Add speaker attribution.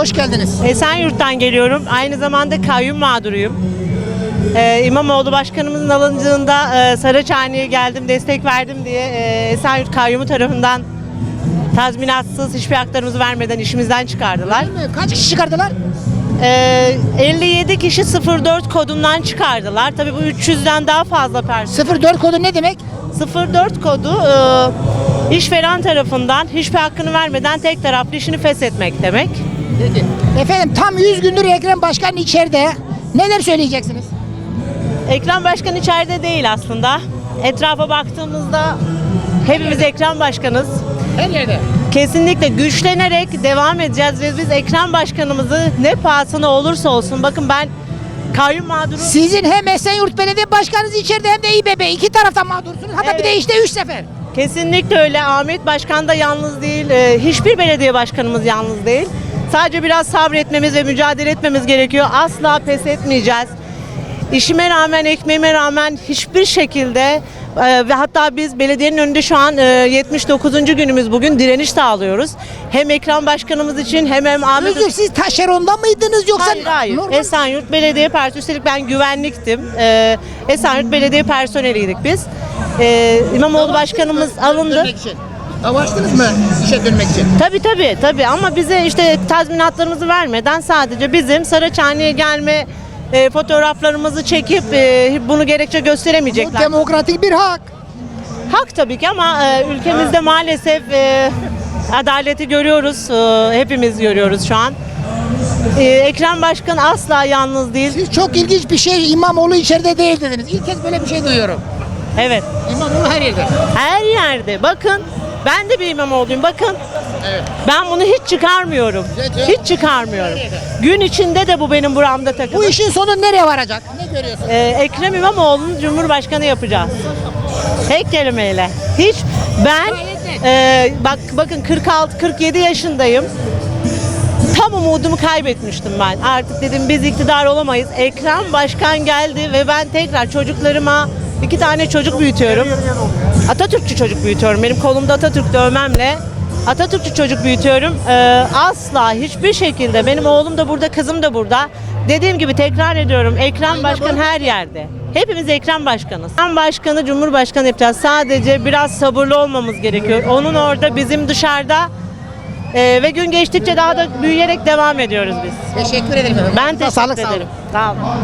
Speaker 1: Hoş geldiniz.
Speaker 2: Esenyurt'tan geliyorum. Aynı zamanda kayyum mağduruyum. İmamoğlu başkanımızın alındığında Saraçhane'ye geldim, destek verdim diye Esenyurt kayyumu tarafından tazminatsız hiçbir haklarımızı vermeden işimizden çıkardılar.
Speaker 1: Kaç kişi çıkardılar?
Speaker 2: 57 kişi 04 kodundan çıkardılar. Tabii bu 300'den daha fazla personel.
Speaker 1: 04 kodu ne demek?
Speaker 2: 04 kodu işveren tarafından hiçbir hakkını vermeden tek taraflı işini feshetmek demek.
Speaker 1: Efendim tam 100 gündür Ekrem Başkan içeride. Neler söyleyeceksiniz?
Speaker 2: Ekrem Başkan içeride değil aslında. Etrafa baktığımızda hepimiz Ekrem Başkanız.
Speaker 1: Her yerde.
Speaker 2: Kesinlikle güçlenerek devam edeceğiz ve biz Ekrem Başkanımızı ne pahasına olursa olsun, bakın ben kayyum mağduru.
Speaker 1: Sizin hem Esenyurt Belediye Başkanınız içeride hem de İBB iki taraftan mağdursunuz. Hatta bir de işte 3 sefer.
Speaker 2: Kesinlikle öyle. Ahmet Başkan da yalnız değil. Hiçbir belediye başkanımız yalnız değil. Sadece biraz sabretmemiz ve mücadele etmemiz gerekiyor. Asla pes etmeyeceğiz. İşime rağmen, ekmeğime rağmen hiçbir şekilde ve hatta biz belediyenin önünde şu an 79. günümüz bugün direniş sağlıyoruz. Hem Ekrem Başkanımız için hem Ahmet...
Speaker 1: Özür, siz taşeronda mıydınız yoksa?
Speaker 2: Hayır.
Speaker 1: Normal...
Speaker 2: Esenyurt Belediye Personeli. Üstelik ben güvenliktim. Esenyurt Belediye personeliydik biz. İmamoğlu Başkanımız alındı.
Speaker 1: Avaçtınız mı işe dönmek için?
Speaker 2: Tabii ama bize işte tazminatlarımızı vermeden sadece bizim Saraçhane'ye gelme fotoğraflarımızı çekip bunu gerekçe
Speaker 1: Bu
Speaker 2: gösteremeyecekler.
Speaker 1: demokratik bir hak.
Speaker 2: Hak tabii ki ama ülkemizde maalesef adaleti görüyoruz. Hepimiz görüyoruz şu an. Ekrem Başkan asla yalnız değil.
Speaker 1: Siz çok ilginç bir şey, İmamoğlu içeride değil dediniz. İlk kez böyle bir şey duyuyorum.
Speaker 2: Evet.
Speaker 1: İmamoğlu her yerde.
Speaker 2: Her yerde. Bakın ben de bir İmamoğlu'yum. Bakın.
Speaker 1: Evet.
Speaker 2: Ben bunu hiç çıkarmıyorum. Hiç çıkarmıyorum. Gün içinde de bu benim buramda takılı.
Speaker 1: Bu işin sonu nereye varacak? Ne görüyorsunuz?
Speaker 2: Ekrem İmamoğlu'nu Cumhurbaşkanı yapacağız. Tek kelimeyle. Hiç ben bakın 46-47 yaşındayım. Tam umudumu kaybetmiştim ben. Artık dedim biz iktidar olamayız. Ekrem Başkan geldi ve ben tekrar çocuklarıma 2 tane çocuk büyütüyorum. Atatürkçü çocuk büyütüyorum. Benim kolumda Atatürk dövmemle Atatürkçü çocuk büyütüyorum. Asla hiçbir şekilde benim oğlum da burada, kızım da burada. Dediğim gibi tekrar ediyorum. Ekrem Başkan her yerde. Hepimiz Ekrem Başkanız. Ekrem Başkanı Cumhurbaşkanı yapacağız. Sadece biraz sabırlı olmamız gerekiyor. Onun orada, bizim dışarıda. Ve gün geçtikçe daha da büyüyerek devam ediyoruz biz.
Speaker 1: Teşekkür ederim.
Speaker 2: Ben teşekkür
Speaker 1: Sağlık, sağ olun.
Speaker 2: ederim. Sağ olun.